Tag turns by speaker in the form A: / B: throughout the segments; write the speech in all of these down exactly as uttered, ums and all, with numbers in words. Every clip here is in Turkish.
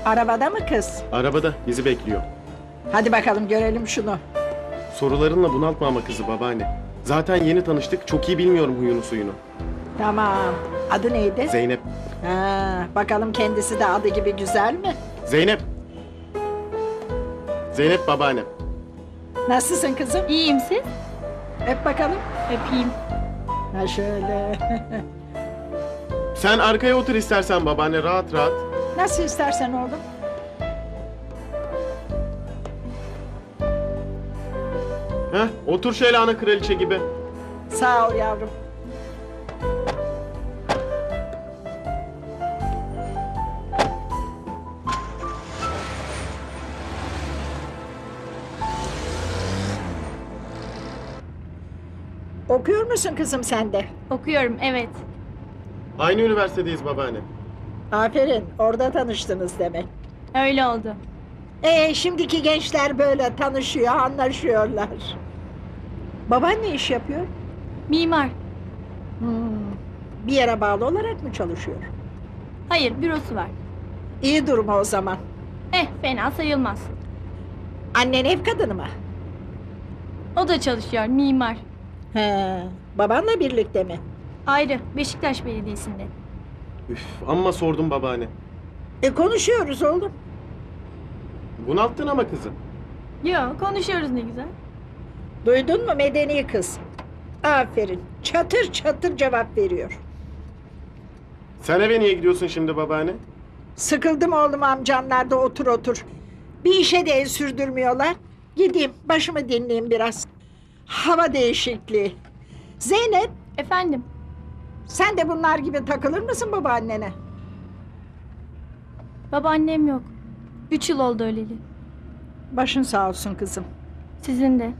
A: Arabada mı kız?
B: Arabada bizi bekliyor.
A: Hadi bakalım görelim şunu.
B: Sorularınla bunaltma ama kızı babaanne. Zaten yeni tanıştık, çok iyi bilmiyorum huyunu suyunu.
A: Tamam. Adı neydi?
B: Zeynep.
A: Ha, bakalım kendisi de adı gibi güzel mi?
B: Zeynep. Zeynep babaannem.
A: Nasılsın kızım?
C: İyiyim siz?
A: Öp bakalım.
C: Öpeyim.
A: Ha şöyle.
B: Sen arkaya otur istersen babaanne, rahat rahat.
A: Nasıl istersen oğlum.
B: Heh, otur şöyle ana kraliçe gibi.
A: Sağ ol yavrum. Okuyor musun kızım sen de?
C: Okuyorum, evet.
B: Aynı üniversitedeyiz babaanne.
A: Aferin, orada tanıştınız demek.
C: Öyle oldu.
A: Ee, şimdiki gençler böyle tanışıyor, anlaşıyorlar. Baban ne iş yapıyor?
C: Mimar.
A: Hmm, bir yere bağlı olarak mı çalışıyor?
C: Hayır, bürosu var.
A: İyi durumu o zaman.
C: Eh, fena sayılmaz.
A: Annen ev kadını mı?
C: O da çalışıyor, mimar.
A: He, babanla birlikte mi?
C: Ayrı, Beşiktaş Belediyesi'nde.
B: Üf, amma sordum babaanne.
A: E konuşuyoruz oğlum.
B: Bunalttın ama kızı.
C: Yo, konuşuyoruz ne güzel.
A: Duydun mu medeni kız? Aferin, çatır çatır cevap veriyor.
B: Sen eve niye gidiyorsun şimdi babaanne?
A: Sıkıldım oğlum amcanlarda otur otur. Bir işe de el sürdürmüyorlar. Gideyim başımı dinleyeyim biraz. Hava değişikliği. Zeynep,
C: Efendim,
A: sen de bunlar gibi takılır mısın babaannene?
C: babaannem yok. Üç yıl oldu öleli.
A: Başın sağ olsun kızım.
C: Sizin de.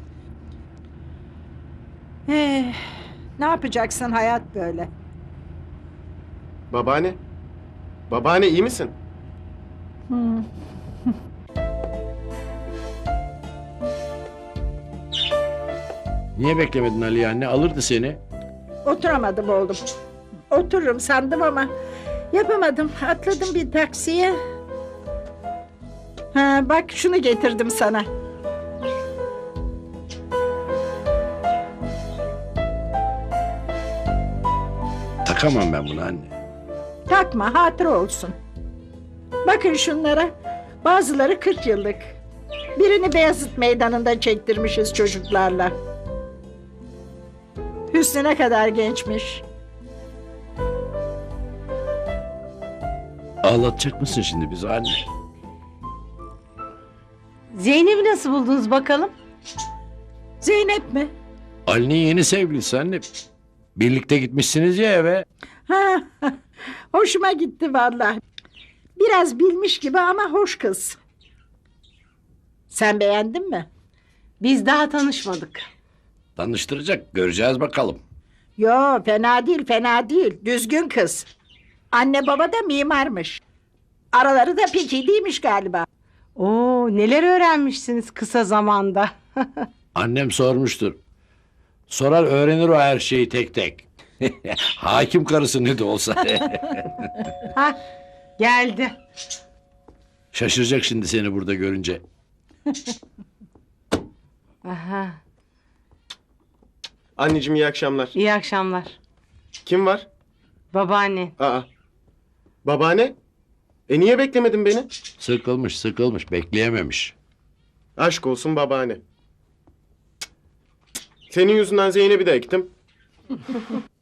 A: Eh, ne yapacaksın hayat böyle?
B: Babaanne. Babaanne iyi misin?
A: Hmm.
D: Niye beklemedin Ali anne? Alırdı seni.
A: Oturamadım oğlum. Otururum sandım ama yapamadım. Atladım bir taksiye. Ha, bak şunu getirdim sana.
D: Takamam ben bunu anne.
A: Takma, hatıra olsun. Bakın şunlara. Bazıları kırk yıllık. Birini Beyazıt Meydanı'nda çektirmişiz çocuklarla. Hüsnü ne kadar gençmiş.
D: Ağlatacak mısın şimdi bizi anne?
E: Zeynep'i nasıl buldunuz bakalım?
A: Zeynep mi?
D: Ali'nin yeni sevgilisi anne. Birlikte gitmişsiniz ya eve.
A: Ha, hoşuma gitti vallahi. Biraz bilmiş gibi ama hoş kız. Sen beğendin mi?
E: Biz daha tanışmadık.
D: Tanıştıracak, göreceğiz bakalım.
A: Yo, fena değil, fena değil. Düzgün kız. Anne baba da mimarmış. Araları da pek iyi değilmiş galiba.
E: Oo, neler öğrenmişsiniz kısa zamanda.
D: Annem sormuştur. Sorar öğrenir o her şeyi tek tek. Hakim karısı ne de olsa.
E: Ha, geldi.
D: Şaşıracak şimdi seni burada görünce.
E: Aha,
B: Anneciğim iyi akşamlar.
E: iyi akşamlar.
B: Kim var?
E: Babaanne.
B: Aa. Babaanne? E niye beklemedin beni?
D: Sıkılmış sıkılmış bekleyememiş.
B: Aşk olsun babaanne. Senin yüzünden Zeynep'i de ektim.